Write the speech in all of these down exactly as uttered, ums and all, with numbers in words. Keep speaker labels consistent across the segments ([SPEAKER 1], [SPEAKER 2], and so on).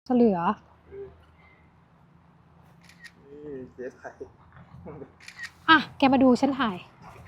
[SPEAKER 1] จะเหลือ
[SPEAKER 2] นี่เจ๊ไทย
[SPEAKER 1] อ่ะแกมาดูฉันถ่าย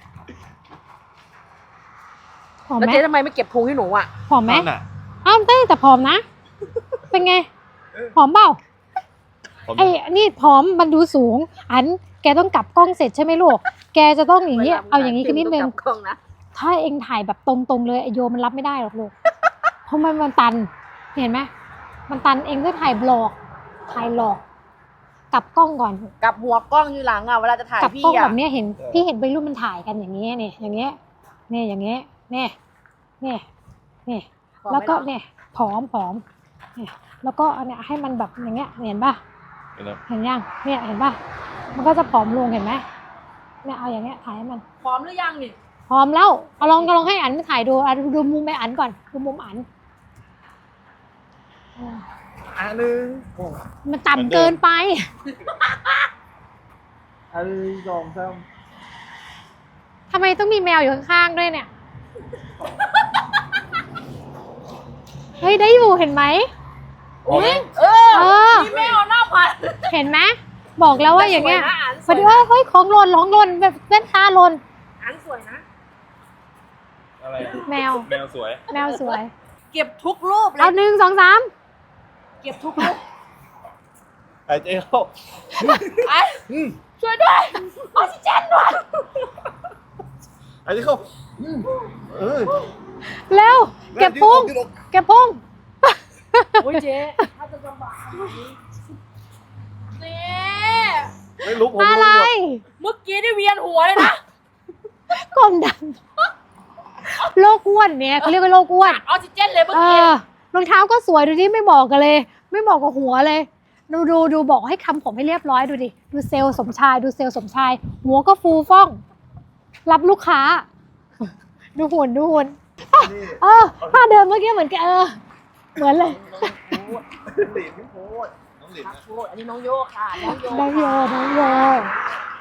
[SPEAKER 1] ผอม
[SPEAKER 3] แล้ว
[SPEAKER 1] ไหม
[SPEAKER 3] เจ๊ทำไมไม่เก็บพุงให้หนูอ่ะ
[SPEAKER 1] ผอมไหม
[SPEAKER 2] นั่นน่ะ
[SPEAKER 1] อ้าวเต้แต่ผอมนะ เป็นไงผอมเปล่า
[SPEAKER 2] ผม
[SPEAKER 1] ไอ้นี่ผอมมันดูสูง อันแกต้องกลับกล้องเสร็จใช่ไหมลูกแกจะต้องอย่างนี้เอาอย่างนี้กันนิดนึง
[SPEAKER 3] เวลามึงถ่ายเต็มต้องกลับกล้องนะ
[SPEAKER 1] ถ้าเองถ่ายแบบตรงๆเลยไอโยมันรับไม่ได้หรอกลูก เพราะมันมันตัน เห็นไหมมันตันเองก็ถ่ายบล็อกถ่ายหลอก กลับกล้องก่อน
[SPEAKER 3] กลับหัวกล้องอยู่หลังอ่ะเวลาจะถ่าย
[SPEAKER 1] กลับ
[SPEAKER 3] พี่
[SPEAKER 1] กล้อง
[SPEAKER 3] อ่ะ
[SPEAKER 1] แบบเนี้ยเห็นพี่เห็นวัยรุ่นมันถ่ายกันอย่างเงี้ยเนี่ยอย่างเงี้ยเนี่ยอย่างเงี้ยเนี่ยเนี่ยเนี่ยแล้วก็เนี่ยผอมผอมเนี่ยแล้วก็อันเนี้ยให้มันแบบอย่างเงี้ยเห็นป่ะ
[SPEAKER 2] เห็นแล้ว
[SPEAKER 1] เห็นยังเนี่ยเห็นป่ะมันก็จะผอมลงเห็นไหมเนี่ยเอาอย่างเงี้ยถ่ายให้มัน
[SPEAKER 3] พร้อมหรือยังนี่
[SPEAKER 1] พร้อมแล้วเอาลองก็ลองให้อันถ่ายดูอ่ะดูดูมุมไปอันก่อนดูมุมอันอ่า
[SPEAKER 2] อันหนึ่ง
[SPEAKER 1] มันต่ำเกินไป
[SPEAKER 2] อันหนึ่งสองสาม
[SPEAKER 1] ทำไมต้องมีแมวอยู่ข้างๆด้วยเนี่ยเฮ้ยได้อยู่เห็นไหม
[SPEAKER 2] โอ้ย
[SPEAKER 3] เออ
[SPEAKER 1] เออ
[SPEAKER 3] พี่แม่เอาหน้าพัน
[SPEAKER 1] เห็นไหมบอกแล้วว่าอย่างเงี้ย
[SPEAKER 3] สวยนะอัน
[SPEAKER 1] พอดี
[SPEAKER 3] สวยนะ
[SPEAKER 1] ว่าเฮ้ยของหล่นของหล่นแบบแว่นตาหล่น
[SPEAKER 3] อันสวยนะ
[SPEAKER 2] อะไรอะ
[SPEAKER 1] แมว
[SPEAKER 2] แมวสวย
[SPEAKER 1] แมวสวย
[SPEAKER 3] เก็บทุกรูปเล
[SPEAKER 1] เอา
[SPEAKER 3] ย
[SPEAKER 1] หนึ่งสองสาม
[SPEAKER 3] เก็บทุกรูป
[SPEAKER 2] ไอ้เจ๊เข้า
[SPEAKER 3] ไอ้ช่วยด้วยออกซิเจนด้วย
[SPEAKER 2] ไอ้เจ๊เข้าอืมเออ
[SPEAKER 1] เร็วเก็บพุง
[SPEAKER 2] ยืดอก
[SPEAKER 1] เก็บพุง
[SPEAKER 3] โอ้ยเจ๊ถ้าจะลำบากขนาดนี้เจ๊
[SPEAKER 2] ไม่รู้ผม
[SPEAKER 1] อะไร
[SPEAKER 3] เมื่อกี้ได้เวียนหัวเลยนะ
[SPEAKER 1] กลมดำโรคอ้วนเนี่ยเขาเรียกว่าโรคอ้วน
[SPEAKER 3] ออกซิเจนเลยเมื่อ
[SPEAKER 1] เอ
[SPEAKER 3] กี้
[SPEAKER 1] อรองเท้าก็สวยดูดิไม่บอกกันเลย ไม่บอกกับหัวเลย ดูดูดูบอกให้ทำผมให้เรียบร้อยดูดิดูเซลล์สมชายดูเซลล์สมชาย หัวก็ฟูฟ่อง รับลูกค้า ดูหุ่นดูหุ่น
[SPEAKER 2] นี่
[SPEAKER 1] เออถ้าเดิมเมื่อกี้เหมือนกันเออ เหมือนเลย
[SPEAKER 2] น้องโพดหลินโพดน้องหลิน
[SPEAKER 3] ครับ
[SPEAKER 2] นะ
[SPEAKER 3] โอ้ยอันนี้น้องโยค่ะ น้องโย
[SPEAKER 1] น้องโย
[SPEAKER 3] ค่ะ
[SPEAKER 1] น้องโย